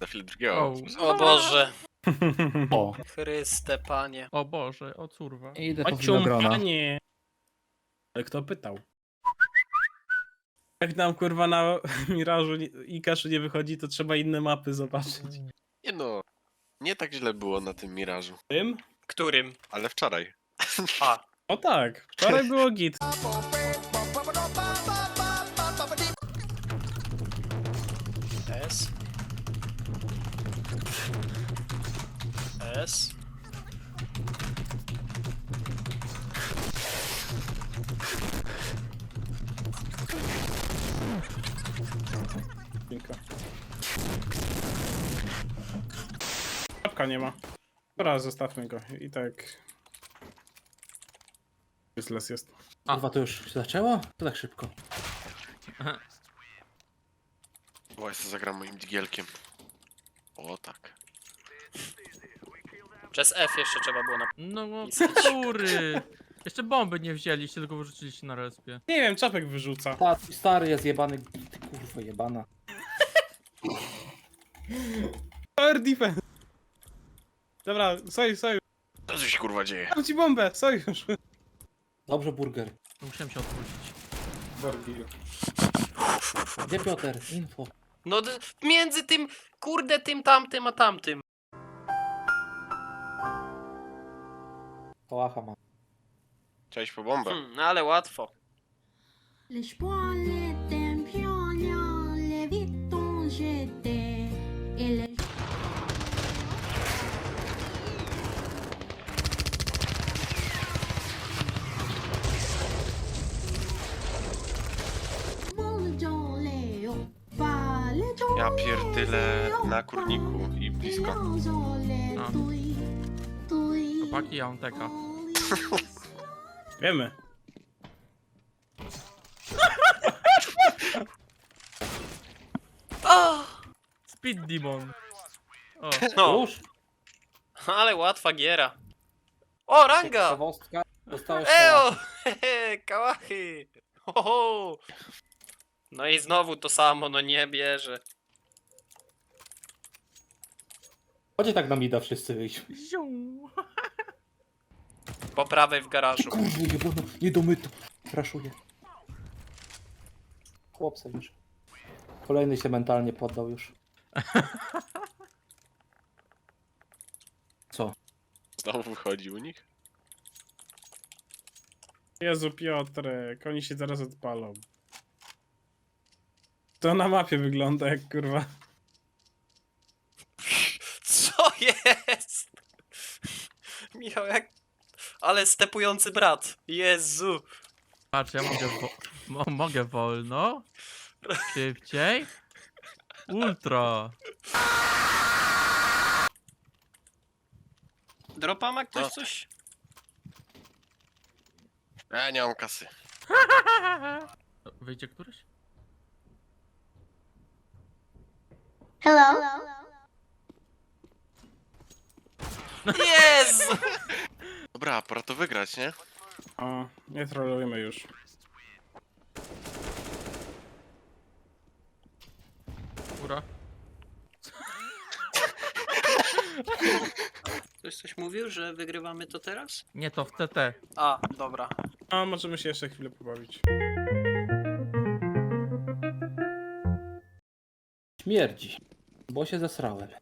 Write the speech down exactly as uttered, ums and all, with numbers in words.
Za chwilę drugiego. O. O Boże, O, Chryste Panie. O Boże, o curwa. idę po O winogrona. ciumpanie. Ale kto pytał? Jak nam kurwa na Mirażu nie- i Kaszu nie wychodzi, to trzeba inne mapy zobaczyć. Nie no, nie tak źle było na tym Mirażu. Tym? Którym? Ale wczoraj. A, O tak, wczoraj było git. S. S. Dziękuję. Czapka nie ma. Dobra, zostawmy go. I tak... Useless jest. Kurwa, to już się zaczęło? To tak szybko. O, ja sobie zagram moim digielkiem. O tak. Przez F jeszcze trzeba było na... No, no Pisać. który? Jeszcze bomby nie wzięliście, tylko wyrzuciliście na respie. Nie wiem, czapek wyrzuca. Ta, stary jest jebany. Ty kurwa jebana. Power defense. Dobra, sojusz, sojusz. Co tu się kurwa dzieje? Dam ci bombę, sojusz. Dobrze, burger. Musiałem się odwrócić. Gdzie Piotr? Info. No d- między tym, kurde, tym tamtym, a tamtym. Kołacha mam. Chciałeś po bombę? Hmm, no ale łatwo. L'espoir était pionnier, les vitons j'étais, et les vols dans les hauts, pas les tours, Ja pierdylę na kurniku i blisko. A. Chłopaki, ja mam teka. Wiemy. O, Speed Demon. O, no, Już? ale łatwa giera. O, ranga! Ciekawostka. Dostałeś Eo! Hehe, kałachy! Hoho! No i znowu to samo, no nie bierze. Chodźcie tak na mida wszyscy wyjść. ziu. Po prawej w garażu. Kurwa jebana, nie domyto. Raszuję. Chłopca już. Kolejny się mentalnie poddał już. Co? Znowu wychodzi u nich? Jezu, Piotrek, oni się zaraz odpalą. To na mapie wygląda jak kurwa. Co jest? Michał, jak... Ale stepujący brat. Jezu. Patrz, ja mogę, wo mo mogę wolno. Szybciej. Ultra. Dropa ma ktoś No. coś? Ja nie mam kasy. Wyjdzie któryś? Hello. Jezu! Dobra, pora to wygrać, nie? O, nie trolujemy już. Góra. Ktoś coś mówił, że wygrywamy to teraz? Nie, to w T T. A, dobra. A, możemy się jeszcze chwilę pobawić. Śmierdzi. Bo się zesrałem.